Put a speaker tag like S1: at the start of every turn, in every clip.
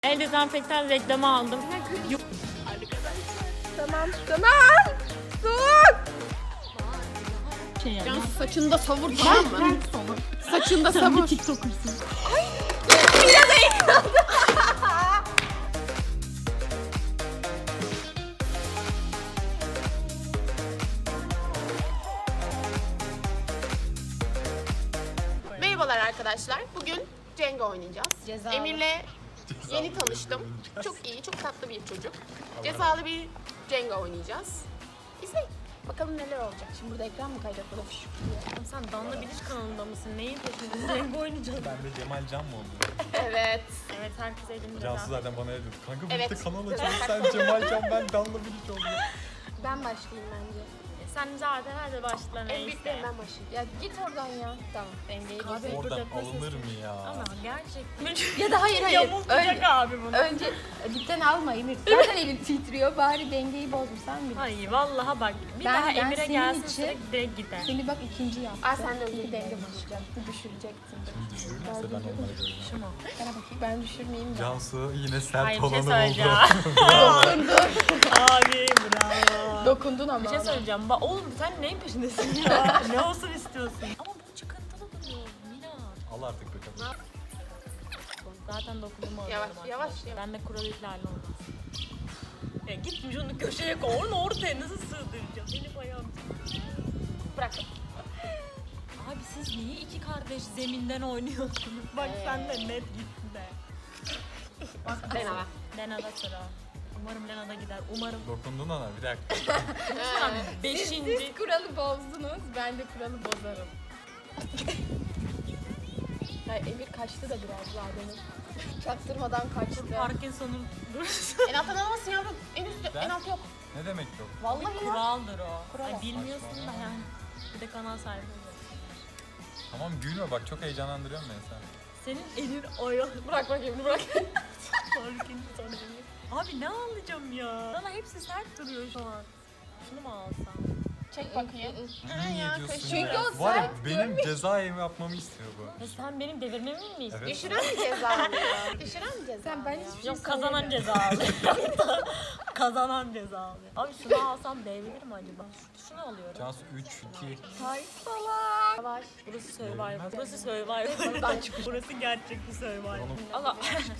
S1: El dezenfektan reklamı aldım.
S2: Tamam. Dur. Can saçında savur, tamam mı? Saçında savur.
S1: TikToker'sın.
S2: Biraz eğlendim. Merhabalar arkadaşlar. Bugün Jenga oynayacağız.
S1: Cezalı.
S2: Emir'le yeni tanıştım. Çok iyi, çok tatlı bir çocuk. Cezalı bir Jenga oynayacağız. İzleyin. Bakalım neler olacak. Şimdi burada ekran mı kayacak? Burada fışık diye.
S1: Sen Danla Bilic kanalında mısın? Neyin peşindesin? Zengo oynayacağız.
S3: Ben de Cemal Can mı oldum?
S2: Evet.
S1: Evet, herkes elinde.
S3: Cansu zaten bana öyle dedi. Kanka
S2: Evet.
S3: birlikte kanal açalım. Sen Cemal Can, ben Danla Bilic oldum.
S2: Ben başlayayım bence.
S1: Sen zaten hadi başla
S2: En
S1: neyse.
S2: büyüklerim ben başlayayım. Ya git oradan ya. Tamam.
S1: Dengeyi
S3: Oradan alınır mı ya?
S1: Ama gerçekten.
S4: Ya da hayır.
S1: Yamultacak
S4: Önce,
S1: abi bunu.
S4: önce dipten alma Emir. Zaten elin titriyor. Bari dengeyi bozmuşsan bile.
S1: Hayır vallahi bak. Bir
S4: Ben-
S1: daha
S4: ben
S1: Emir'e
S4: senin
S1: gelsin
S4: için-
S1: direkt gider.
S4: Seni bak ikinci yaptı.
S2: Aa, sen de öyle
S4: İki denge
S2: diyorsun.
S4: bozacağım. Düşüreceksin.
S3: Şimdi düşürürlerse ben onları göreceğim.
S1: Şu mu?
S4: Bana bakayım. Ben düşürmeyeyim de.
S3: Cansu yine sert
S1: Hayır bir şey
S3: olanı
S1: söyleyeceğim.
S3: buldu.
S1: Abi bravo.
S4: Dokundun ama.
S1: Bir şey söyleyeceğim. Oğlum sen neyin peşindesin ya? Ne olsun istiyorsun? Ama bu çıkıntılı duruyor. Mina.
S3: Al artık bakalım.
S1: Zaten dokunumu
S2: Yavaş,
S1: alıyorum
S2: yavaş,
S1: arkadaşlar.
S2: yavaş.
S1: Ben de kural ihlali olmaz. Ya gitmiş onu köşeye koy. Onu ortaya nasıl sığdıracağım? Benim ayağım.
S2: Bırak.
S1: Abi siz niye iki kardeş zeminden oynuyorsunuz? Bak sen de net gittin de.
S2: Deneme.
S1: Lena'da sıra. Umarım Lena'da gider. Umarım.
S3: Dokundun ona, bir dakika.
S1: Beşinci.
S4: Siz kuralı bozdunuz. Ben de kuralı bozarım. Ya Emir kaçtı da biraz daha benim. Çaktırmadan kaçtı.
S1: Parkinson'un
S2: En alttan alamazsın yavrum. En üstte,
S3: Ben-
S2: en alt yok.
S3: Ne demek yok?
S4: Vallahi ya.
S1: kuraldır o.
S4: Kural.
S1: Ay, bilmiyorsun da yani. Bir de kanal sahibi oluyor.
S3: Tamam gülme bak, çok heyecanlandırıyorsun beni sen.
S1: Senin elin ayağı.
S2: Bırak bakayım, bırak.
S1: Parkinson. Abi ne alacağım ya? Bana hepsi sert duruyor şu an. Şunu mu alsam?
S2: Çek bakayım.
S3: Niye
S2: ya,
S3: diyorsun
S2: çünkü
S3: ya?
S4: o
S3: Var ya,
S4: sert
S3: benim ceza yapmamı istiyor bu.
S1: Ya sen benim devirmemi mi istiyorsun?
S3: Evet.
S2: Düşüren mi ceza alıyor? Düşüren mi ceza
S4: Sen ben
S2: alıyor?
S4: hiçbir şey
S1: Yok kazanan ceza alıyor. Kazanan ceza alıyor. Abi şunu alsam devrilir mi acaba? Şunu alıyorum.
S3: Cansu 3, 2,
S4: Hayır salak.
S2: Yavaş.
S1: Burası Survivor. Burası Survivor. Burası gerçek bir Survivor. Allah.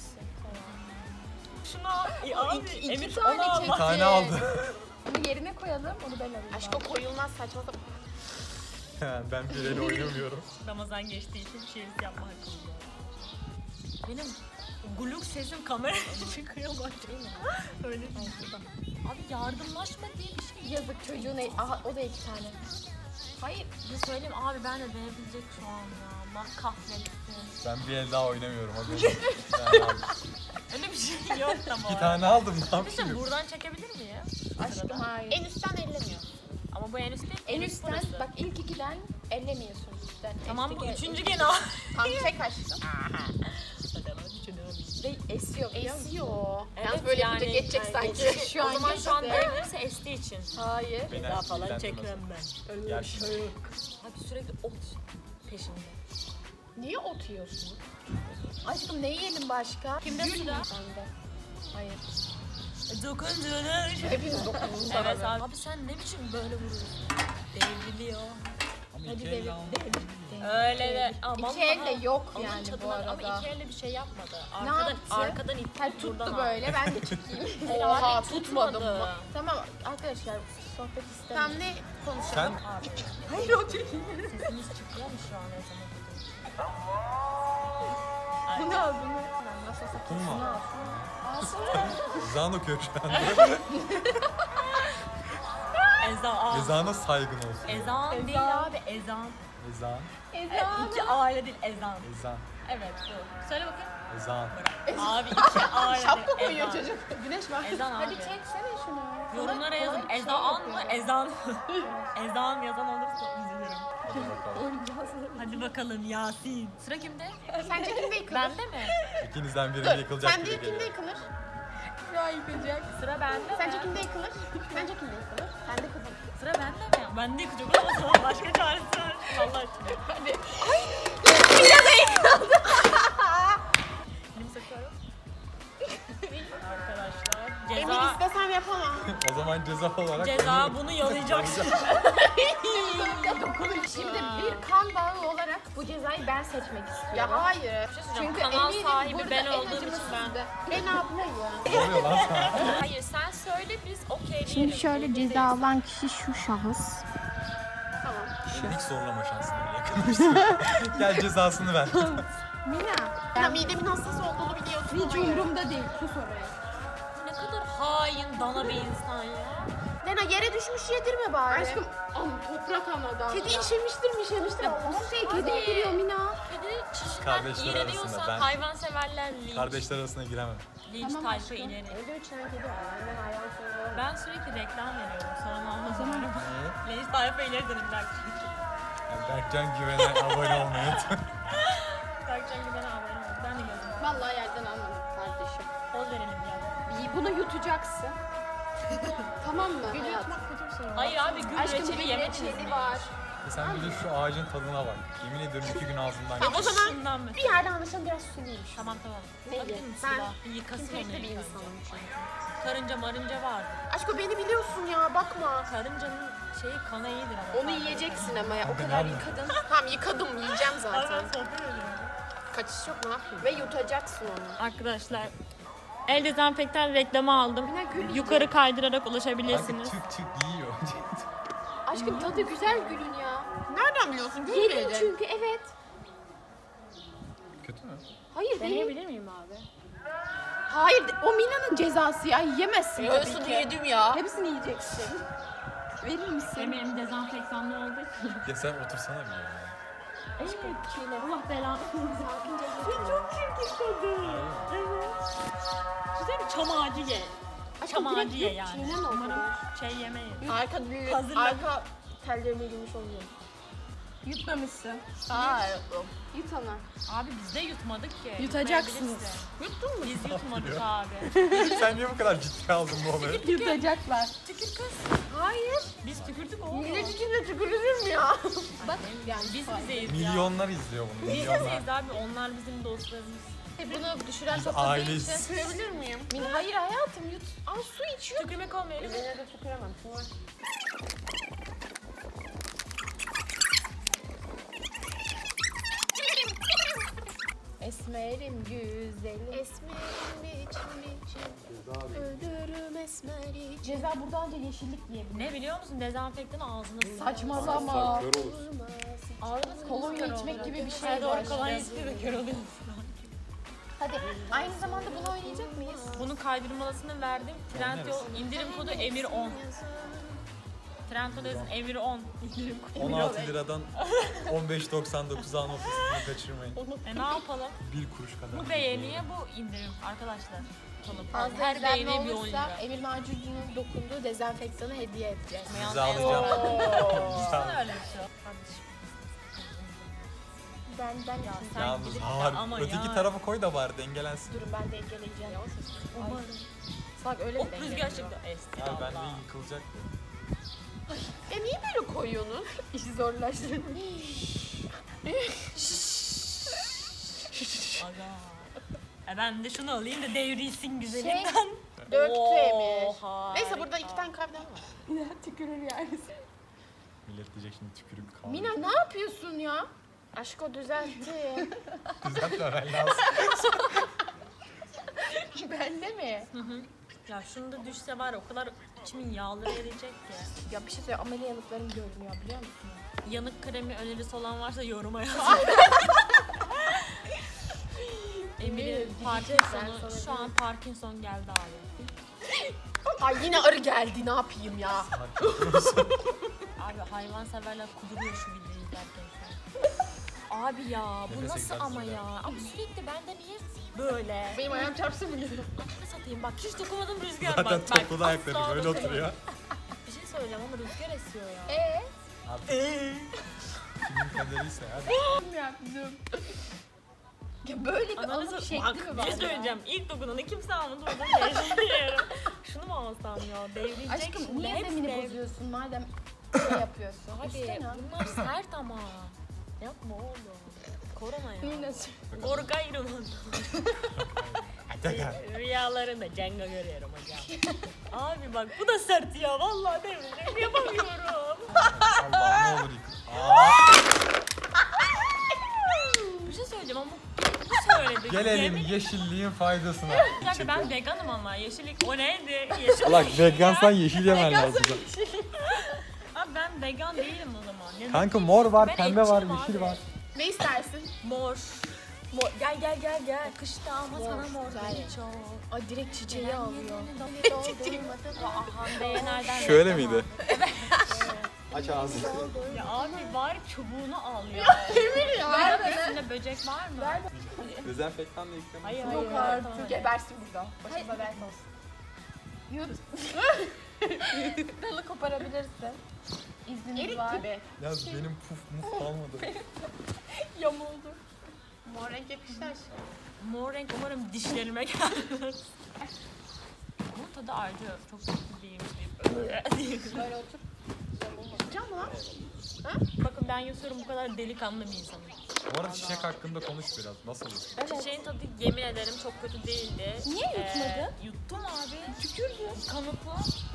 S1: Şunu al. Abi
S4: iki
S1: Emir
S4: tane
S1: onu al.
S4: çek.
S3: bir tane aldı.
S4: Onu yerine koyalım. Onu ben alayım.
S2: Aşk o koyulmaz, saçma sapan.
S3: Ben bir el oynamıyorum.
S1: Ramazan geçtiği için şerit yapma hakkım var. Benim gluk sesim kameraya çıkıyor bak. Öyle bir şey. Abi yardımlaşma diye bir şey.
S4: Yazık çocuğun aha o da iki tane. Hayır.
S1: Bir söyleyeyim abi ben de denebilecek şu an ya. Allah kahretsin.
S3: Ben bir el daha oynamıyorum. Hadi. Bir tane aldım.
S1: Öyle bir şey yok da bu
S3: İki
S1: arada.
S3: tane aldım, ne
S1: Bir şey
S3: yapayım?
S1: buradan çekebilir miyim?
S4: Aşkım hayır.
S2: En üstten ellemiyor.
S1: Ama bu en üst değil.
S4: En
S1: üst
S4: üstten
S1: burası.
S4: bak ilk ikiden ellemiyorsun üstten.
S1: Tamam bu
S4: Üstteki-
S1: üçüncü gene al.
S2: Tam çek aşkım.
S4: Ve esiyor biliyor musun?
S2: Esiyor.
S1: Evet,
S2: Yalnız böyle yapınca
S1: yani-
S2: geçecek
S1: yani
S2: sanki.
S4: Şu
S1: o
S4: an
S1: zaman şu an
S4: geçti.
S1: devrilirse estiği için.
S4: Hayır.
S3: Beni
S1: Daha falan
S3: ilgilendirmez.
S1: çekmem ben.
S3: Gel şimdi.
S1: Abi sürekli ot peşinde.
S2: Niye ot yiyorsun?
S4: Aşkım ne yiyelim başka?
S1: Kimde
S4: Gül
S1: sıra?
S4: mü? Bende. Hayır.
S1: Dokunduğunu.
S2: Hepiniz dokundunuz
S1: Evet
S2: arada.
S1: abi. Abi sen ne biçim böyle vuruyorsun? Devriliyor.
S3: Ama iki elle aldım.
S1: Öyle de. Ama
S4: İki el de yok
S1: Allah'ın
S4: yani bu
S1: çatına-
S4: arada.
S1: Ama iki elle bir şey yapmadı.
S4: Ne
S1: Arkadan,
S4: yaptı?
S1: arkadan itti.
S4: Hayır tuttu
S1: buradan
S4: böyle ben de çekeyim.
S2: Oha
S1: Abi
S2: tutmadım mı?
S4: Tamam arkadaşlar sohbet
S2: Tam
S4: istemiyorum.
S2: ne konuşalım?
S3: Sen
S1: Abi
S4: Hayır o çekeyim.
S1: sesimiz çıkıyor mu şu an ne zaman?
S4: Bu ne aldın mı? Nasıl olsa
S3: Kum
S4: kesin
S3: mu?
S4: alsın.
S3: ezan okuyor şu anda.
S1: Ezan.
S3: Ezana saygın olsun.
S1: Ezan değil abi ezan.
S3: Ezan,
S1: İki aile değil ezan.
S3: ezan,
S1: Evet bu. Söyle bakayım.
S3: ezan.
S1: Abi iki aile
S2: Şapka
S1: değil,
S2: koyuyor
S1: ezan.
S2: çocuk. Güneş var.
S1: Ezan abi.
S4: Hadi çeksene şunu.
S1: Yorumlara
S4: Sana
S1: yazın.
S4: kolay bir şey
S1: Ezan mı?
S4: yapıyorum.
S1: Ezan. Ezan yazan olursa üzülürüm.
S3: Hadi bakalım.
S4: Oynayacağız.
S1: Hadi bakalım Yasin. Sıra kimde?
S2: Sence kimde yıkılır?
S1: Bende mi?
S3: İkinizden biri yıkılacak
S2: Sence
S3: gibi
S2: kimde
S3: geliyor.
S2: yıkılır?
S4: Şuraya yıkacak.
S1: Sıra bende
S2: Sence
S1: mi?
S2: kimde yıkılır? Sence kimde yıkılır? Sen de kızım.
S1: Sıra bende mi? Bende yıkacak ama sana başka çaresi var. Allah aşkına.
S2: Hadi.
S1: Elimi sıkıyorum.
S2: Emir istesem yapamam.
S3: O zaman ceza olarak
S1: Ceza bunu yalayacaksın.
S4: Şimdi bir kan bağı olarak bu cezayı ben seçmek istiyorum.
S2: Ya hayır.
S4: Çünkü
S1: kanal
S4: eminim
S1: sahibi
S4: burada
S1: ben
S4: en
S1: olduğum için
S4: acımasızı ben ablayım.
S3: Ne oluyor lan sana?
S1: Hayır sen söyle biz okey
S4: Şimdi şöyle ceza alan kişi şu şahıs.
S2: Tamam.
S3: Hiç zorlama şansını yakalamışsın. Gel cezasını ver.
S4: Mina.
S2: Ya midemin hassas olduğunu biliyorsun
S4: Hiç
S2: ama ya.
S4: umurumda değil. Sus oraya.
S1: Ne kadar hain dana bir insan ya.
S2: Lena yere düşmüş yedirme bari.
S4: Aşkım toprak anadan.
S2: Kedi işemiştir.
S4: Bu şey kedi yediriyor Mina.
S1: Kedi çişinden
S3: Kardeşler
S1: iğreniyorsan
S3: arasında ben-
S1: hayvanseverler linç.
S3: Kardeşler arasına giremem.
S1: Linç
S4: Tamam
S1: tayfa
S4: aşkım.
S1: ileri.
S2: Evde 3 tane kedi var. Benden hayvan seviyorum.
S1: Ben sürekli reklam veriyorum. Sonra anlamıyorum. Linç tayfa ileri dedim Berkcan.
S3: Yani Berkcan Güven'e abone olmayı unutmayın.
S1: Berkcan Güven'e abone ol. Ben de gözüm.
S4: Vallahi yerden anladım kardeşim.
S1: Poz verelim ya.
S4: Bunu yutacaksın. Tamam mı?
S2: Gül
S4: hayatım?
S2: yutmak kötü bir şey.
S1: Hayır abi gül
S4: Aşkım
S1: reçeli
S4: bir
S1: yemediniz
S4: reçeli
S1: mi?
S4: var.
S3: Sen bir de şu ağacın tadına bak. Yemin ediyorum 2 gün ağzımdan
S2: Tamam, o
S3: geçti.
S2: zaman
S1: Şundan mı?
S2: bir yerden anlaşalım biraz suluymuş.
S1: Tamam tamam.
S2: Neydi?
S1: Bakayım mı
S2: Ben
S1: silah? Bir yıkasın onu
S2: Pimpirikli bir
S1: ilk önce.
S2: insanım çünkü.
S1: Karınca marınca vardı.
S2: Aşkım beni biliyorsun ya bakma.
S1: Karıncanın şeyi kana iyidir ama.
S2: Onu yiyeceksin ama ya o
S3: Ben
S2: kadar
S3: almıyorum.
S2: yıkadın. Tamam yıkadım yiyeceğim zaten.
S1: Zaten sohbet ediyorum.
S2: Kaçış yok ne yapayım?
S4: Ve yutacaksın onu.
S1: Arkadaşlar el dezenfektan reklamı aldım.
S4: Yine gül
S1: Yukarı kaydırarak
S3: Kanka
S1: ulaşabilirsiniz.
S3: çık yiyor.
S4: Aşkım tadı güzel gülün ya.
S2: Nereden biliyorsun? Gül
S4: Yedim
S2: yedin.
S4: çünkü evet.
S3: Kötü mü?
S4: Hayır değil.
S1: Deneyebilir miyim abi?
S4: Hayır o Mina'nın cezası ya yemezsin tabii
S2: Yarısını
S4: ki.
S2: yedim ya.
S4: Hepsini yiyeceksin. Verir misin?
S1: Benim dezenfektanlı olduğu için.
S3: Ya sen otursana bir yere.
S1: Evet. Allah belanı.
S4: Sakince
S1: Çok çirkin tadı. Evet. Güzel bir çam ağacı ye. Çam
S4: direkt
S1: ağacı ye
S4: yok,
S1: yani.
S4: çiğnen o
S1: Umarım
S4: kadar.
S1: şey yemeyiz.
S2: Arka, arka tellerime girmiş oluyor.
S4: Yutmamışsın.
S2: Hayır.
S4: Yut ana.
S1: Abi biz de yutmadık ki.
S4: Yutacaksınız.
S1: Yutmayabiliriz.
S2: Yuttun mu?
S1: Biz yutmadık abi.
S3: Sen niye bu kadar ciddiye aldın bu olayı?
S4: Yutacaklar.
S1: Tükür kız.
S2: Hayır.
S1: Biz tükürdük oğlum.
S2: Millet içinde tükürülür mü ya?
S4: Bak yani
S1: Biz bizeyiz ya.
S3: Milyonlar izliyor bunu.
S1: Biz
S3: Milyonlar.
S1: bizeyiz abi. Onlar bizim dostlarımız.
S2: Bunu düşüren
S3: Biz
S2: çok hızlı
S3: aileyiz.
S2: için tükürebilir miyim?
S4: Hayır hayatım yut.
S2: Aa su içiyor.
S1: Tükürmek olmuyor.
S2: Yine de tüküremem. Su var.
S4: Esmerim güzelim.
S2: Esmerim biçim. Ölürüm esmer için.
S4: Ceza buradan önce yeşillik yiyebilir.
S1: Ne biliyor musun? Dezenfektan ağzına sıkıyor.
S4: Saçmalama.
S1: Ağzına
S4: Kolonya içmek gibi bir şey
S1: Her doğru
S4: var.
S1: kolonya içti de kör oluyorsun.
S4: Hadi aynı zamanda bunu oynayacak mıyız?
S1: Bunun kaydırmalasını verdim. Trendyol indirim kodu Emir10. Trendyol yazın Emir10. İndirim kodu.
S3: 16 liradan 15.99 alma fırsatını kaçırmayın.
S1: Ne yapalım?
S3: 1 kuruş kadar.
S1: Bu beğeniye bu indirim arkadaşlar. Kalıp.
S4: Fazla
S1: Her
S4: izlenme
S1: beğeniye bir 10
S4: olursa
S1: lira.
S4: Emir Macuncu'nun dokunduğu dezenfektanı hediye edeceğiz.
S3: Size alacağım.
S1: Sen öyle bir şey. Kardeşim.
S4: Benden
S1: Ya
S4: için.
S1: sen
S3: Yalnız
S1: gidip de
S3: ağır.
S1: ama
S3: Öteki
S1: ya.
S3: tarafa koy da bari dengelensin.
S4: Durun ben de engeleyeceğim.
S1: Umarım.
S2: Bak öyle
S1: Hop
S2: bir
S1: rüzgar çıktı. Esti
S3: Ya ben de
S1: Allah.
S3: yıkılacak.
S2: niye böyle koyuyorsunuz?
S4: İşi zorlaştırmış.
S1: Aga. Ben de şunu alayım da devrilsin güzelinden.
S2: Döktü Emir.
S1: Oha,
S2: Neyse burada
S1: harika.
S2: 2 tane kahve var.
S4: Tükürür yani.
S3: Millet diyecek şimdi tükürük kaldı.
S4: Mina ne yapıyorsun ya?
S2: Aşk o düzeltti.
S3: Düzeltmemen lazım.
S4: Bende mi?
S1: Ya şunu da düşse var ya, o kadar içimin yağları eriyecek ki.
S4: Ya bir şey söyle ameliyalıklarım görünüyor biliyor musun?
S1: Yanık kremi önerisi olan varsa yoruma yazın. Emir'in Parkinson'u, şu an Parkinson geldi abi.
S2: Ay yine arı geldi ne yapayım ya.
S1: Abi hayvanseverler kuduruyor şu videoyu izlerken şu an. Abi ya bu
S3: Nefes
S1: nasıl
S3: egzersizi
S1: ama ya? Abi sürekli bende niye böyle?
S2: Benim ayağım çarpsın bile.
S1: Ne satayım bak hiç dokunmadım rüzgar
S3: Zaten
S1: bak.
S3: topladı ayakları
S1: asla
S3: böyle
S1: dokunmadım.
S3: oturuyor.
S1: Bir şey söyleyeceğim ama rüzgar esiyor ya.
S3: Abi. Kimin kaderiyse hadi.
S4: Kim yaptım? Ya böyle bir
S1: Ananı
S4: alıp
S1: bak
S4: şekli mi var
S1: bir
S4: ya?
S1: söyleyeceğim. İlk dokunanı kimse almadı oradan devriyorum. Şunu mu alsam ya? Devrilecek
S4: Aşkım
S1: şimdi.
S4: niye
S1: Hepsi
S4: zemini
S1: dev-
S4: bozuyorsun madem şey yapıyorsun?
S1: Abi
S4: Üstten al.
S1: bunlar sert ama. Yapma oğlum. Korona ya.
S4: Mina
S1: Korkayım.
S3: Vegan.
S1: Rüyalarında Cenga görüyorum hocam. Abi bak bu da sert ya vallahi devrim yapamıyorum.
S3: Allah ne olur yıkıl.
S1: Bir şey söyleyeceğim ama bu söyledi.
S3: Gelelim
S1: Yemin-
S3: yeşilliğin faydasına.
S1: Bir dakika ben veganım ama yeşillik o neydi? Yeşillik.
S3: Allah vegansan yeşil yemen lazım.
S1: Abi ben vegan değilim o zaman. Ne-
S3: Kanka mor var,
S1: Ben
S3: pembe var,
S1: etçiyim
S3: yeşil
S1: abi.
S3: var.
S2: Ne istersin?
S1: Mor. Gel. Kışta ama sana mor çok.
S4: Ay direkt çiçeği alıyor.
S1: Hande'ye nereden?
S3: Şöyle
S1: reklam
S3: miydi?
S1: aldın?
S3: Aç ağzını.
S1: Ya abi bari çubuğunu al ya.
S2: Emir ya.
S1: Üstünde böcek var mı?
S3: Dezenfektanla yıkamak.
S1: Hayır
S4: Yok
S1: hayır.
S4: artık. Gebersin burada. Başımıza dert olsun. Yürü. Dalı koparabilirsin. İzniniz
S2: Erik
S4: var.
S2: gibi.
S3: Ya benim puf muf kalmadı.
S4: Yamuldu.
S2: Mor renk yakıştı aşkım.
S1: Mor renk umarım dişlerime gelmez. Bunun tadı ayrı. Çok kötü değilmiş deyip.
S4: Böyle otur.
S2: Can mı lan?
S1: Bakın ben yutuyorum bu kadar delikanlı bir insanım.
S3: Bu arada çiçek hakkında konuş biraz. Nasıl?
S1: Çiçeğin tadı yemin ederim çok kötü değildi.
S4: Niye yutmadın?
S1: Yuttum abi. Tükürdüm. Kanıtla.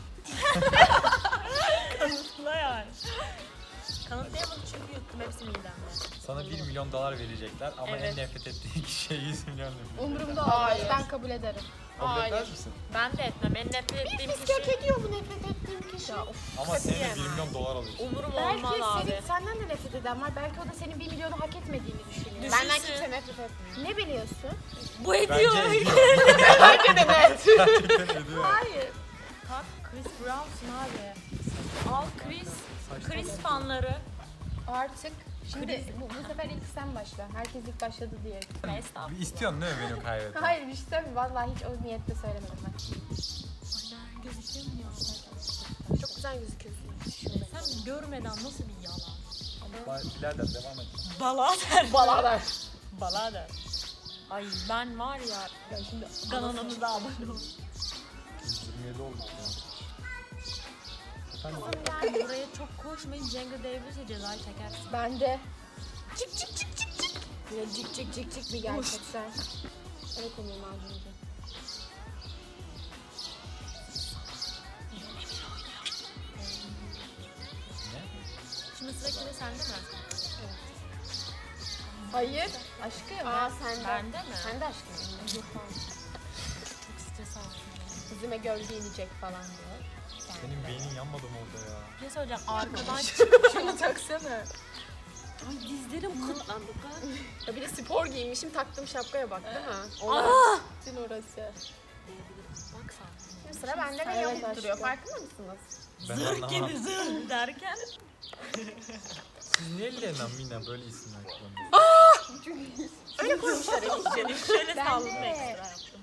S1: Kanıtla yani. Kanıtlayamadım çünkü yuttum hepsi midemde.
S3: Sana 1 milyon dolar verecekler ama
S1: Evet.
S3: en nefret ettiğin kişiye 100 milyon verecekler.
S4: Umurumda olmaz.
S2: Hayır.
S4: Ben kabul ederim.
S3: Kabul etmez
S2: Hayır.
S3: misin?
S1: Ben de etmem. En nefret ettiğim
S2: Bisiklet
S1: kişi
S2: ediyor bu nefret ettiğim kişi.
S3: Ama senin de 1
S2: Katiyen.
S3: milyon dolar alıyorsun.
S1: umurum
S2: Belki
S1: olmaz abi.
S2: senden de nefret eden var. Belki o da senin 1 milyonu hak etmediğini düşünüyor.
S1: Düşünsün.
S2: Benden kimse nefret etmiyor. Ne biliyorsun?
S1: Bu ediyor.
S3: Bence ediyor.
S2: Bence de net.
S3: Gerçekten ediyor.
S2: Hayır.
S1: Kalk Chris Brown'sun abi. Al Chris fanları.
S4: Artık şimdi bu sefer ilk sen başla. Herkes ilk başladı diye.
S1: Estağfurullah.
S3: Bir istiyorsun değil mi benim kaybetmemi?
S4: Hayır işte vallahi hiç o niyetle söylemedim ben.
S1: Gözüküyor mu ya?
S2: Çok güzel gözüküyorsun.
S1: Sen görmeden nasıl bir yalan?
S3: Birader devam et.
S1: Balader.
S2: Balalar.
S1: Balader. Ay ben var ya.
S4: Ya şimdi
S1: Kanalımıza abone ol.
S3: 27 oldu ya. Efendim?
S1: Yani buraya çok koşmayın. Cenga devrilirse cezayı çekersin.
S4: ben de çık çık çık çık çık. Böyle cik cik cik cik bir gerçekten. Öyle konuyu macuncu.
S3: Ne?
S1: Şimdi sıra kime sende mi?
S4: Hayır. Aşkım.
S2: Aa sende.
S1: Bende mi?
S2: Sen de aşkım.
S1: Çok stres aldım.
S2: Yüzüme gölge inecek falan diyor.
S3: Senin beynin yanmadı mı orada ya?
S1: Bir şey söyleyeceğim. Arkadan
S4: Şunu taksana.
S1: Ay dizlerim kıtlandı.
S2: Ya bir de spor giymişim taktığım şapkaya bak değil mi?
S1: Aa!
S4: Bütün orası.
S1: Bak sen.
S2: Şimdi sıra bende ve
S4: Evet
S2: yamuk duruyor.
S4: aşkım.
S2: Farkında mısınız?
S3: Ben
S1: Zırh
S3: anlamadım.
S1: gibi zırh derken.
S3: Siz niye Lena Mina böyle isimler kullanıyorsunuz?
S2: Öyle koymuşlar Elif'ciğim.
S1: Şöyle
S4: Ben
S1: saldım
S4: de.
S1: ekstra yaptım.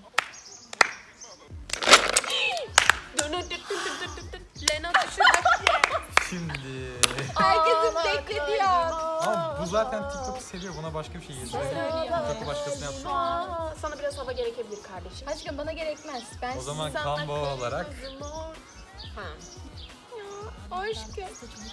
S2: Lena düşürdü.
S3: Şimdi...
S4: Herkesin beklediği an.
S3: Ama bu zaten TikTok'u seviyor. Buna başka bir şey yedirelim. TikTok'u başkasına yapsın.
S2: Aa, sana biraz hava gerekebilir kardeşim.
S4: Aşkım bana gerekmez. Ben
S3: O zaman
S2: Sana
S3: combo olarak
S2: kızım ol. Ha.
S4: aşkım.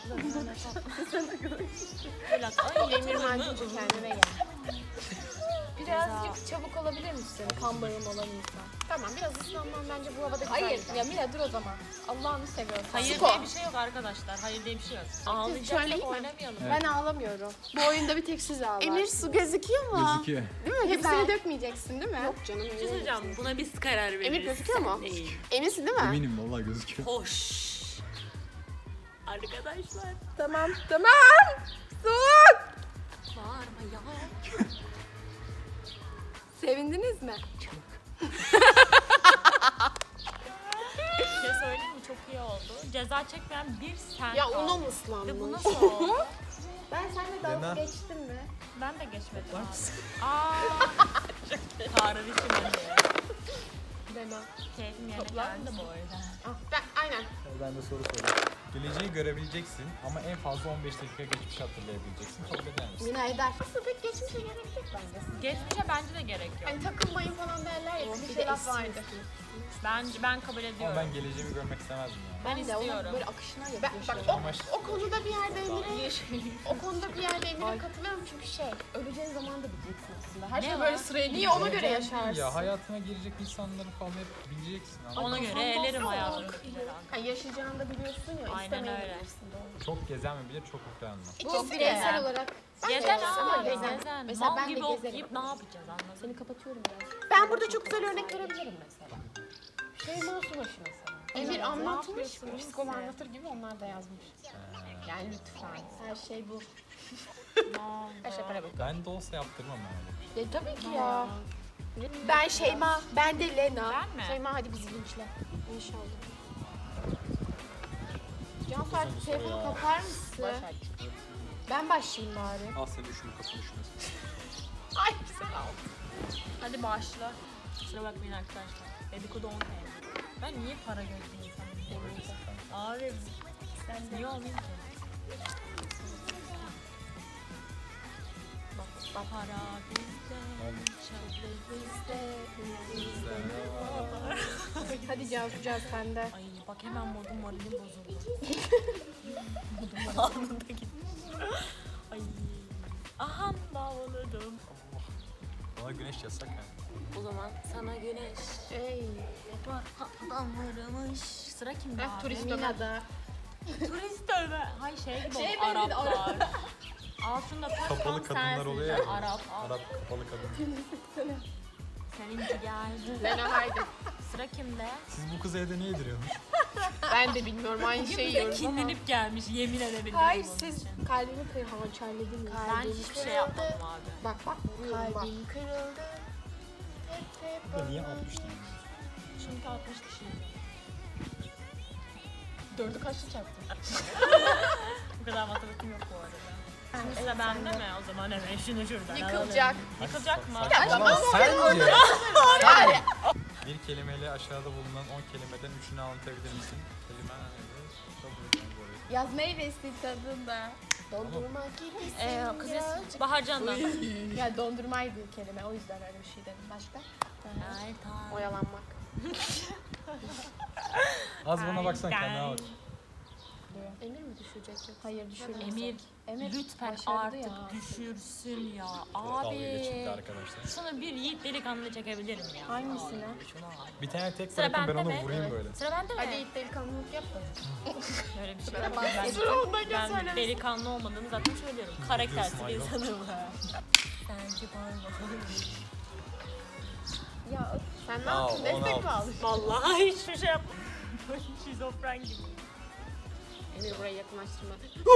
S1: Böyle at. Ay
S2: Emir Mancın'cığım kendine gel.
S4: Birazcık çabuk olabilir misin? Kan bağım olan insan.
S2: Tamam biraz ıslanmam bence bu havada güzel
S4: Hayır.
S2: gider.
S4: Ya Mila dur o zaman. Allah'ını seviyorsan.
S1: Hayır
S2: Sko.
S1: diye bir şey yok arkadaşlar. Hayır diye bir şey yok. Ağlayacaksak
S2: söyleyeyim mi?
S1: oynamayalım.
S2: Ben ağlamıyorum.
S4: Bu oyunda bir tek siz ağlar.
S2: Emir su gözüküyor mu?
S3: gözüküyor.
S2: Değil mi?
S4: Hepsini
S2: Güzel.
S4: dökmeyeceksin değil mi?
S2: Yok canım.
S1: Bir şey söyleyeceğim. Buna biz karar veririz.
S2: Emir gözüküyor mu?
S1: Sen değil.
S2: Eminsin değil mi?
S3: Eminim vallahi gözüküyor.
S1: Hoş. Arkadaşlar.
S4: Tamam. Tamam.
S1: Bağırma ya.
S4: Sevindiniz mi?
S1: Bir şey söyleyeyim mi? Çok iyi oldu. Ceza çekmeyen bir sen
S2: Ya
S1: kaldı.
S2: ona mı
S1: Ve bu
S2: ıslandın?
S1: nasıl oldu?
S4: Ben seninle
S3: Lena.
S4: dalga geçtim mi?
S1: Ben de geçmedim abi. Tanrı bir şey
S4: Lena.
S1: Keyfim yerine
S4: Toplar
S1: geldi bu arada.
S2: Ben, aynen.
S3: Ben de soru sorayım. Geleceği görebileceksin ama en fazla 15 dakika geçmiş hatırlayabileceksin. Kabul eder misin?
S2: Mina eder. Aslında pek geçmişe gerek yok bence.
S1: Geçmişe bence de gerek yok.
S2: Hani takılmayın falan derler ya. Bir
S4: Bir
S2: şey
S4: de
S2: laf vardı.
S1: Ben kabul ediyorum.
S3: Ama ben geleceğimi görmek istemezdim yani.
S1: Ben
S4: de onun
S1: istiyorum.
S4: böyle akışına
S2: Bak
S4: yapıyor.
S2: o konuda bir yerde Emir'e o konuda bir yerde Emir'e katılıyorum çünkü
S4: Öleceğin zaman da bileceksin aslında. Her
S1: Ne
S4: şey
S1: var?
S4: böyle sıraya
S2: niye
S4: gidiyor.
S2: ona göre yaşarsın?
S3: Ya hayatına girecek insanları falan hep bileceksin. anladın
S1: Ona
S3: mı?
S1: göre elerim hayatımdakileri.
S2: Hani yaşayacağını da biliyorsun ya
S1: Aynen öyle.
S2: istemeyebilirsin doğru.
S3: Çok gezen mi bilir, çok okuyan mı?
S4: Bu bireysel olarak
S1: Gezen
S2: Ama
S1: abi
S2: gezen.
S1: gezen.
S4: Mesela
S1: Mal
S4: ben de
S1: gibi
S4: gezerim.
S1: okuyup ne yapacağız anladın
S4: seni
S1: mı?
S4: kapatıyorum biraz.
S2: Ben burada çok güzel örnek verebilirim mesela. Şeyma Subaşı mesela. Emir anlatmış, psikolo anlatır gibi onlar da yazmış. Yani lütfen.
S4: Her şey bu.
S2: Her şey para bak.
S3: Ben de olsa yaptırmam yani.
S2: Tabii ki ya. Ben Şeyma, ben de Lena.
S1: Ben mi?
S2: Şeyma hadi bizi linçle.
S4: İnşallah.
S2: Cansu artık telefonu kapar mısın? Ben başlayayım bari.
S3: Al sen düşünme, kafa düşünmesin.
S2: Ay güzel oldu.
S1: Hadi başla. Kusura bakmayın arkadaşlar. Dedikodu 10 TL. Ben niye para gözlü insanım? Abi sen niye olmayayım ki? Bak para bizde,
S2: Hadi Cansu sende.
S1: Ay bak hemen moralim bozuldu. Modum anında gitti. Ay. Aha davuladım.
S3: Bana güneş yasak yani.
S1: O zaman sana güneş.
S2: Ey.
S1: Adam vurmuş. Sıra kimde abi?
S2: Turist
S4: Mina'da.
S1: Turist ölme. Hay şey gibi
S2: Şey
S1: oldu,
S2: benzedi,
S1: Araplar. Altında taş
S3: Kapalı
S1: tam
S3: kadınlar
S1: sensin.
S3: oluyor ya.
S1: Arap.
S3: Arap kapalı kadın.
S1: Seninki geldi.
S2: Lena haydi.
S1: Sıra kimde?
S3: Siz bu kızı evde ne yediriyormuş?
S2: Ben de bilmiyorum aynı
S1: Bugün
S2: şeyi
S1: bize
S2: yiyoruz ama.
S1: kinlenip gelmiş yemin edebilirim.
S2: Hayır
S1: bunun
S2: siz
S1: için.
S2: kalbimi hançerledin mi?
S1: Ben hiçbir şey yapmadım abi.
S2: Bak kalbim kırıldı. Hep
S3: Bu da niye 60 tane?
S1: Çünkü 60 kişiydi.
S2: 4'ü kaçta çarptın?
S1: Bu kadar matematiğim yok bu arada. Şimdi sıra bende mi? O zaman hemen şunu şuradan
S2: Yıkılacak.
S1: alalım. Yıkılacak mı?
S3: Ama sence
S2: Yani
S3: bir kelimeyle aşağıda bulunan 10 kelimeden 3'ünü anlatabilir misin? Kelime nedir? Çok bu arada.
S2: yaz meyvesi tadında. Dondurma gibisin.
S1: Kız Baharcan'dan.
S2: Ya dondurmaydı kelime o yüzden öyle bir şey dedim. Başka?
S1: Ay tamam.
S2: Oyalanmak.
S3: Az bana baksan kendine bak.
S2: Emir mi düşecek yoksa?
S4: Hayır düşürmez.
S1: Emir lütfen
S4: başardı
S1: artık
S4: ya.
S1: düşürsün ya.
S3: Dalga geçildi
S1: Abi.
S3: arkadaşlar.
S1: Şunu bir yiğit delikanlı çekebilirim ya.
S4: Hangisini?
S1: Abi, şunu al.
S3: Bir tane tek
S1: Sıra
S3: bırakın ben
S1: bende
S3: onu
S1: mi?
S3: vurayım böyle.
S1: Sıra bende mi?
S2: Hadi ilk delikanlılık yap da.
S1: Öyle bir şey
S2: Ben
S1: yok.
S2: bak, sıra ondayken
S1: Ben
S2: söylemesin.
S1: delikanlı olmadığımı zaten söylüyorum. Karaktersiz bir
S3: diyorsun,
S1: insanım. Sence pardon.
S2: Ya sen ne
S3: Al,
S2: yaptın? Destek
S3: onu
S2: mi aldın?
S1: Vallahi hiçbir şey yapmadım. Şizofren gibi.
S2: Emir burayı yakınlaştırma.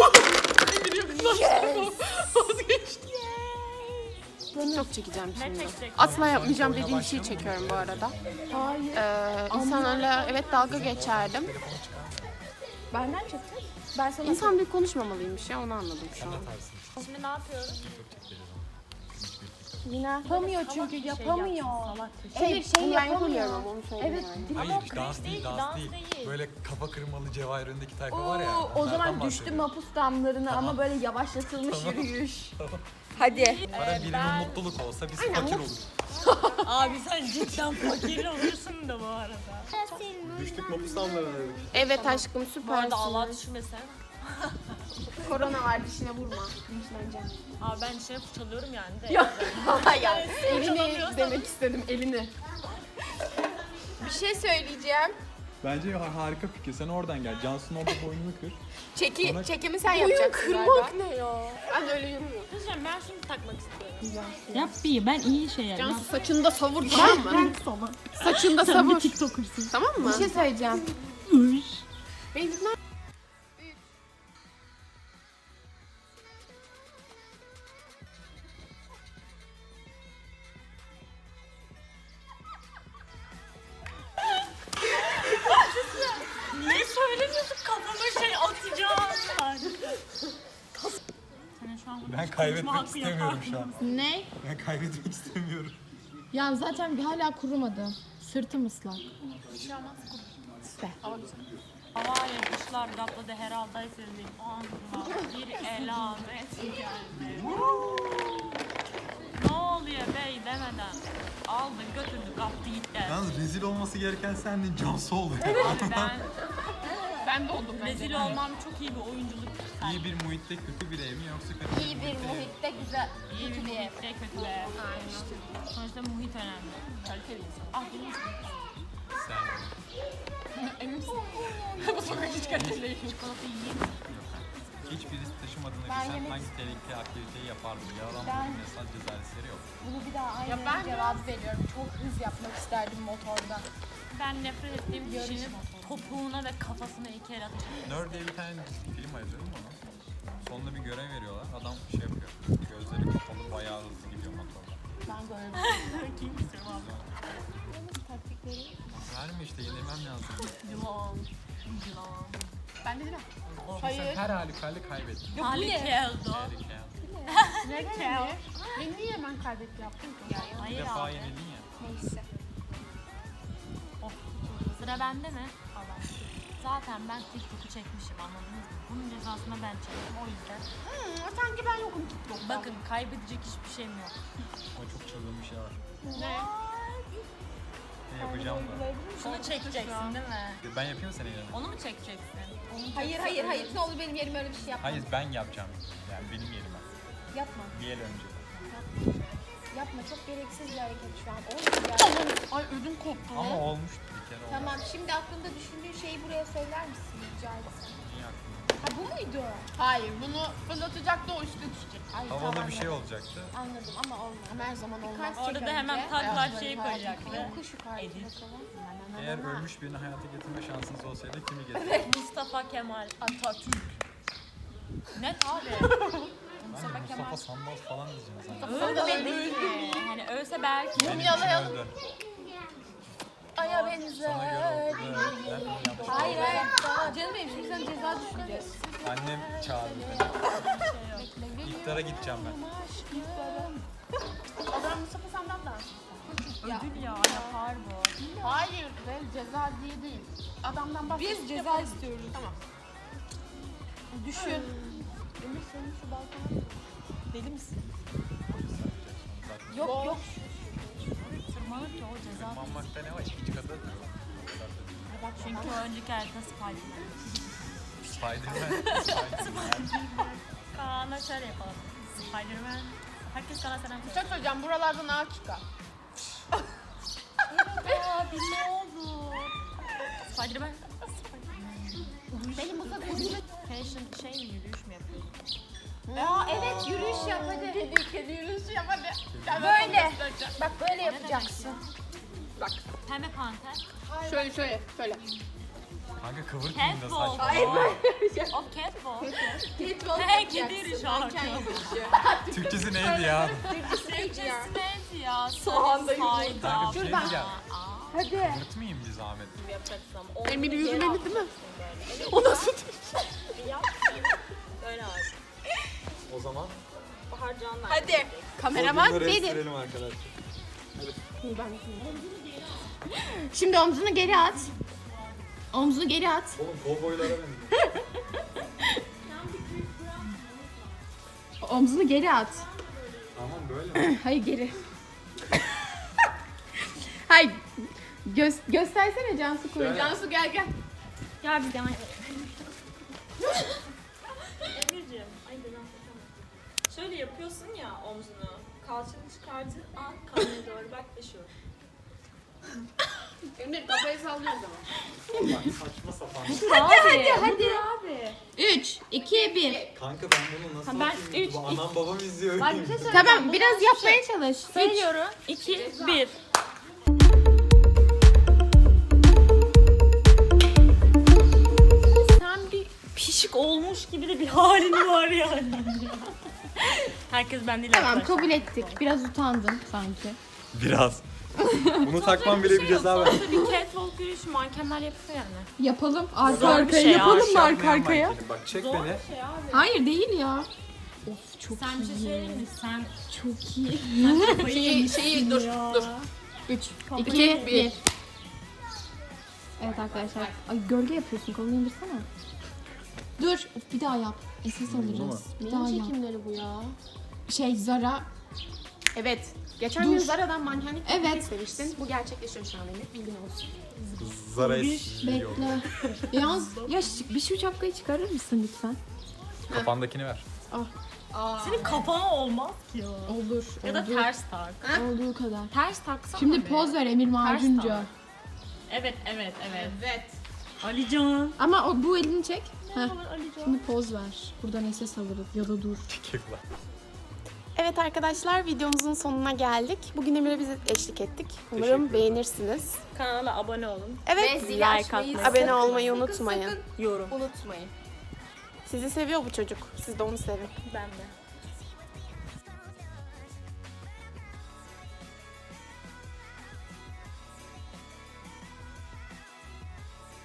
S2: Çok çekeceğim
S1: Ne
S2: şimdi.
S1: çekecek?
S2: Asla yapmayacağım
S3: Oyuna
S2: dediğim şeyi
S3: başlıyor mu?
S2: çekiyorum bu arada.
S4: Hayır.
S2: İnsanlarla evet dalga geçerdim.
S3: Telefonu çıkar mı?
S4: Benden çekecek. Ben sana
S2: İnsan bir konuşmamalıymış ya onu anladım şu
S3: Sen
S2: an.
S3: de tersin.
S1: Şimdi ne yapıyoruz?
S3: Çok çekeceğiz ama.
S4: Mina yapamıyor çünkü yapamıyor.
S2: Evet,
S4: şey
S2: bunu ben
S4: yapamıyor.
S2: yapamıyorum ama onu söyleyeyim
S4: Evet.
S2: yani.
S3: Hayır,
S1: Ama o
S3: dans
S1: cringe
S3: değil,
S1: ki,
S3: dans değil. Böyle kafa kırmalı Cevahir önündeki tayfa var ya.
S4: O
S3: onlardan
S4: zaman düştü
S3: bahsediyorum.
S4: mapus damlarına ama böyle yavaşlatılmış yürüyüş. Hadi.
S3: Para birinin
S1: ben-
S3: mutluluk olsa biz fakir oluruz.
S1: Abi sen cidden fakir olursun da bu arada.
S3: Düştük mapus damlarına dedik.
S2: Evet aşkım
S1: Bu arada Allah
S2: süpersin.
S1: düşürmesin.
S2: Korona var dişine vurma. Linçleneceğim.
S1: Abi ben dişine fırçalıyorum yani de.
S2: Hayır. Elini
S1: Fırçalamıyorsan-
S2: demek istedim elini. Bir şey söyleyeceğim.
S3: Bence harika fikir. Sen oradan gel. Cansu'nun orada boynunu kır. Sonra-
S2: Çekimi sen yapacaksın galiba.
S4: ne ya?
S2: Ben öyle yürümüyorum.
S1: Kızım ben şunu takmak istiyorum. Yap bir ben iyi şey yap.
S2: Cansu saçını da savur tamam mı? Saçını da savur.
S1: TikToker'sın.
S2: Tamam mı?
S4: Bir şey söyleyeceğim.
S2: Beni dinler.
S1: Niye söylemiyorsun kafama şey atacağım ben. Senin şu an
S3: Ben
S1: konuşma
S3: kaybetmek
S1: hakkı
S3: istemiyorum
S1: yapar
S3: şu an.
S1: mısın?
S4: Ne?
S3: Ben kaybetmek istemiyorum.
S4: Ya zaten hala kurumadı. Sırtım ıslak.
S1: Havale kuşlar kapladı herhalde sizin ağzıma bir elamet geldi. Ne oluyor bey demeden aldı götürdü kaptı gitti.
S3: Yalnız rezil olması gereken sendin, Cansu oldu.
S1: Abi
S2: Ben de oldum
S1: ben rezil olmam çok iyi bir oyunculuk.
S3: İyi bir muhitte kötü bir ev mi yoksa kötü
S4: İyi bir
S3: muhitte ev mi?
S4: muhitte güzel.
S1: İyi bir
S4: Kötü bir ev.
S1: muhitte kötü bir ev. Sonuçta muhit önemli. Kaliteli insan. Ah benim
S3: Sen.
S2: Emin misin? Bu sokak hiç kaliteli değil.
S1: çikolata yiyeyim.
S3: Hiç birisi taşımadığını
S4: Ben
S3: bilsen
S4: yemek
S3: hangi tehlikeli aktiviteyi yapardın? Yalan
S4: Ben-
S3: bir mesaj cezaresleri yok.
S4: Bunu bir daha
S2: Ya
S4: aynı
S2: ben
S4: cevap veriyorum. Çok hız yapmak isterdim motorda.
S1: Ben nefret ettiğim kişinin topuğuna ve kafasına iki el atacağım.
S3: Nerd diye bir tane film izledim onu. Sonunda bir görev veriyorlar. Adam şey yapıyor. Gözleri kapalı bayağı hızlı gidiyor motorda.
S4: Ben böyle
S1: Kim istiyorum abi?
S4: taktikleri.
S3: Verme işte yenilmem lazım.
S1: Yılan. Yılan.
S2: Ben de değil mi?
S3: Sen her halükarda kaybettin.
S1: Halikeldo.
S3: Tehlike.
S1: Halikel.
S2: Ben niye hemen kaybetti yaptım ki?
S3: Bir
S1: Hayır
S3: defa
S1: abi.
S3: yenildin ya.
S4: Neyse.
S1: Oh. Sıra bende mi? Allah. Zaten ben TikTok'u çekmişim anladınız mı? Bunun cezasını ben çektim o yüzden.
S2: Sanki ben yokum TikTok'ta.
S1: Bakın kaybedecek hiçbir şeyim yok.
S3: Ama çok çılgın bir şey var.
S2: Ne?
S3: Ne yapacağım da.
S1: Şunu çekeceksin değil mi?
S3: Ben yapayım mı senin yerine?
S1: Onu mu çekeceksin?
S4: Hayır. Ne olur benim yerime öyle bir şey yapma.
S3: Hayır ben yapacağım. Yani benim yerime.
S4: Yapma.
S3: Bir el önce.
S4: Yapma. Çok gereksiz bir hareket şu an. Olmuyor yani.
S2: Ay ödüm koptu.
S3: Ama olmuştu bir kere.
S4: Tamam. Şimdi aklında düşündüğün şeyi buraya söyler misin rica etsem?
S3: Niye aklımda?
S4: Ha bu muydu?
S2: Hayır bunu fırlatacaktı o üstüne düşecek.
S4: Ay,
S3: Havalı
S4: tamam,
S3: bir şey olacaktı.
S4: Anladım ama olmadı.
S2: Ama her zaman olmaz.
S4: Birkaç
S1: Orada
S4: çek
S1: da hemen
S4: önce.
S1: taklar şeyi koyacaktı.
S4: Yokuş yukarı
S1: Edit.
S4: bakalım.
S3: Eğer ölmüş birini hayata getirme şansınız olsaydı kimi getirdiniz?
S1: Mustafa Kemal Atatürk. Net abi.
S3: Mustafa Sandal falan diyeceğim sana.
S1: Öyle de değil mi? Hani ölse belki.
S3: Benim için
S2: Mumyalayalım.
S3: öldü.
S4: Aya
S3: Sana
S4: benzer.
S3: göre öldü. Ben bunu yaptım.
S4: Hayır. Canım benim şimdi sen ceza düşüreceğiz.
S3: Annem çağırdı beni. İftara gideceğim ben.
S2: O zaman Mustafa senden daha.
S1: Ödül ya yapar bu.
S2: Hayır be ceza diye değil. Adamdan bahsediyoruz.
S4: Biz ceza istiyoruz.
S2: Tamam.
S4: Düşün. Emir senin şu balkona. Deli misin?
S3: Zaten
S4: Yok.
S1: Tırmanır ki o ceza.
S3: tırmanmakta ne var? İkinci kata tırman.
S1: Çünkü o önceki harita Spiderman.
S3: Spiderman.
S1: Kaan'a şöyle yapalım. Spiderman. Herkes Kaan'a selam
S2: Bir
S1: söyle.
S2: şey söyleyeceğim buralardan ağaç çıkar.
S1: Abi ne oldu? Spiderman.
S2: Benim bu kadar
S1: Fashion şey mi yürüyüş mü yapıyorsun?
S4: Aa evet yürüyüş yap hadi.
S2: kedi yürüyüşü yap hadi. Gel ben
S4: Böyle.
S2: sana göstereceğim.
S4: Bak böyle yapacaksın.
S2: Bak
S1: Pembe panter.
S2: şöyle.
S3: Kanka kıvırtmayın da
S1: Catwalk.
S3: saçma.
S4: Hayır
S1: O catwalk.
S4: Catwalk
S1: Hey kedi yürüyüşü şarkı.
S3: Türkçesi neydi ya?
S1: Türkçesi neydi ya?
S2: Soğanda
S1: yürüyüş.
S3: Kanka bir şey diyeceğim.
S4: Hadi.
S3: Kıvırtmayın bir zahmet.
S2: Emir yürümeli değil mi? O nasıl?
S1: Böyle abi.
S3: O zaman
S2: Hadi. Kameraman benim.
S3: arkadaşlar.
S2: Şimdi omzunu geri at. Omzunu geri at.
S3: Oğlum kovboylara benziyor.
S2: Omzunu geri at.
S3: Tamam böyle mi?
S2: Hayır geri. Hayır. Göstersene Cansu koy.
S3: Şöyle.
S2: Cansu gel.
S1: Gel bir devam edelim.
S5: Emir'ciğim, ay ben şöyle yapıyorsun ya omzunu. Kalçanı çıkardığın an kameraya doğru bak ve şu.
S2: Emir kafayı sallıyoruz ama.
S3: Bak saçma sapan.
S2: Hadi abi. 3, 2, 1.
S3: Kanka ben bunu nasıl atayım? Bu anam babam izliyor.
S2: Tamam biraz yapmaya çalış.
S1: Sayıyorum. 2, 1. Sen bir pişik olmuş gibi de bir halin var yani. Herkes benimle
S2: Tamam
S1: arkadaş.
S2: kabul ettik. Biraz utandın sanki.
S3: Biraz. Bunu takmam bile bir ceza ver.
S1: Sonuçta bir catwalk yürüyüşü mankenler yapıyor yani.
S2: Yapalım. Arka
S1: Zor bir
S2: arkaya
S1: şey ya.
S2: yapalım mı arka arkaya?
S3: Bak çek
S1: Zor
S3: beni.
S1: bir şey abi.
S2: Hayır değil ya. Of çok
S1: Sen bir şey söyleyeyim mi? Sen
S2: çok iyi.
S1: kafayı yemişsin
S2: Şeyi dur
S1: ya.
S2: dur. 3, 2, 1.
S4: Evet arkadaşlar. Ay gölge yapıyorsun. Kolunu indirsene. Dur. Bir daha yap. SS alacağız. Bir daha
S2: Neyin
S4: yap.
S2: çekimleri bu ya?
S4: Şey Zara.
S2: Evet. Geçen
S4: Dur.
S2: gün Zara'dan mankenlik
S4: Evet.
S2: evet. istemiştin. Bu gerçekleşiyor şu an Emir. Bilgin olsun.
S3: Zara
S4: Bekle. Yalnız ya bir şu şapkayı çıkarır mısın lütfen?
S3: Kafandakini ver.
S1: Senin kafana olmaz ki o.
S4: Olur.
S1: Ya da
S4: olur.
S1: ters tak.
S4: Olduğu kadar.
S1: Ters taksana
S4: Şimdi
S1: be.
S4: poz ver Emir Macuncu.
S1: tak. Evet.
S2: Evet.
S1: Alican.
S4: Ama bu elini çek. Heh.
S1: Alican.
S4: Şimdi poz ver. Buradan SS alırız ya da dur.
S3: Kekler.
S2: Evet arkadaşlar videomuzun sonuna geldik. Bugün Emir'e bize eşlik ettik.
S3: Teşekkür
S2: Umarım
S3: ederim.
S2: beğenirsiniz.
S5: Kanala abone olun.
S2: Evet.
S4: Ve zili
S5: like
S4: açmayı
S5: atmayı
S2: Abone olmayı unutmayın.
S5: Yorum.
S4: unutmayın.
S2: Sizi seviyor bu çocuk. Siz de onu sevin.
S5: Ben de.